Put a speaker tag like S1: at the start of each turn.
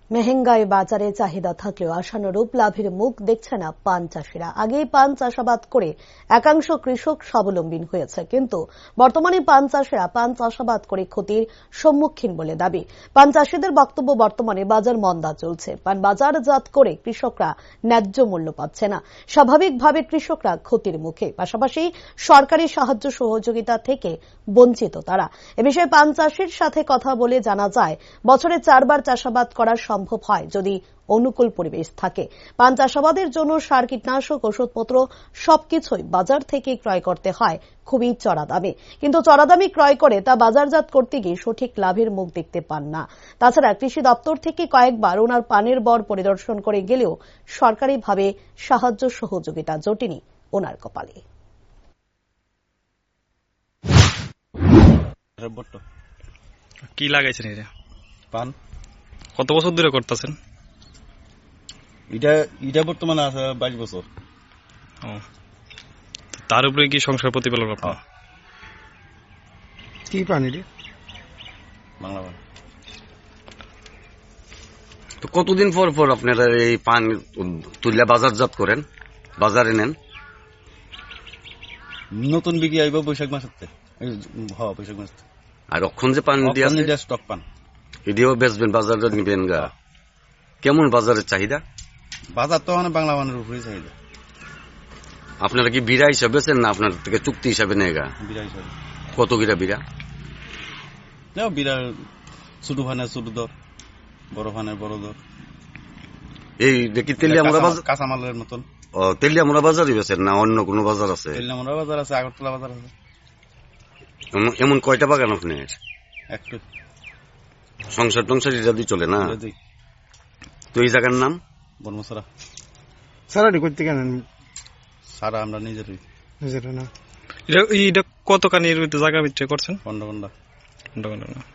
S1: মেহেঙ্গায় বাজারে চাহিদা থাকলেও আশানুরূপ লাভের মুখ দেখছে না পান চাষিরা। আগেই পান চাষাবাদ করে একাংশ কৃষক স্বাবলম্বী হয়েছে, কিন্তু বর্তমানে পান চাষিরা পান চাষাবাদ করে ক্ষতির সম্মুখীন বলে দাবি। পান চাষিদের বক্তব্য, বর্তমানে বাজার মন্দা চলছে, পান বাজারজাত করে কৃষকরা ন্যায্য মূল্য পাচ্ছে না। স্বাভাবিকভাবে কৃষকরা ক্ষতির মুখে, পাশাপাশি সরকারি সাহায্য সহযোগিতা থেকে বঞ্চিত তারা। এ বিষয়ে পান চাষির সাথে কথা বলে জানা যায়, বছরে 4 বার চাষাবাদ করা সম্ভব হয় যদি অনুকূল পরিবেশ থাকে। পান চাষাবাদের জন্য সার, কীটনাশক, ওষুধপত্র সবকিছুই বাজার থেকে ক্রয় করতে হয় খুবই চড়া দামে, কিন্তু চড়া দামে ক্রয় করে তা বাজারজাত করতে গিয়ে সঠিক লাভের মুখ দেখতে পান না। তাছাড়া কৃষি দপ্তর থেকে কয়েকবার ওনার পানের বর পরিদর্শন করে গেলেও সরকারিভাবে সাহায্য সহযোগিতা জোটেনি ওনার কপালে।
S2: কি লাগাইছেন এটা?
S3: পান।
S2: কত বছর ধরে করতেছেন?
S3: এটা বর্তমানে আছে 22 বছর।
S2: তার উপরে কি সংসার প্রতিপালন আপনার?
S4: কি পান এটা?
S3: বাংলা পান।
S5: তো কতদিন পর পর আপনারা এই পান তুলে বাজারজাত করেন, বাজারে নেন?
S3: নতুন বিক্রি আইব বৈশাখ মাসের। বৈশাখ মাস।
S5: আর অক্ষণ যে পান দিয়ে
S3: স্টক পান,
S5: এদিও বেচবেন, বাজারজাত নিবেন গা। কেমন বাজারের চাহিদা?
S3: বাজার তো মানে বাংলা পানের উপরেই চাহিদা।
S5: আপনারা কি বিড়া হিসাবে বেচেন না আপনার থেকে চুক্তি হিসাবে নেয় গা?
S3: বিড়া হিসাবে।
S5: কত কিরা বিড়া?
S3: বিড়া ছোট ফানের ছোট দর, বড় ফানের বড় দর।
S5: এই দেখি তেলিয়ামুড়া বাজার,
S3: কাঁচামালের মতন।
S5: তেলিয়ামুড়া বাজারই বেচেন না অন্য কোনো বাজার আছে?
S3: তেলিয়ামুড়া বাজার আছে, আগরতলা বাজার আছে।
S5: এমন কয়টা বাগান আপনার?
S3: একটু।
S5: সংসার টংসার এটা দিয়ে চলে না? তো এই জায়গার নাম
S3: বনমসরা।
S4: সারাটি করতে কেন?
S3: সারা আমরা নিজেরই।
S4: নিজের না।
S2: এটা কত কানির জায়গা বিক্রি করছেন?
S3: 15 ঘন্টা।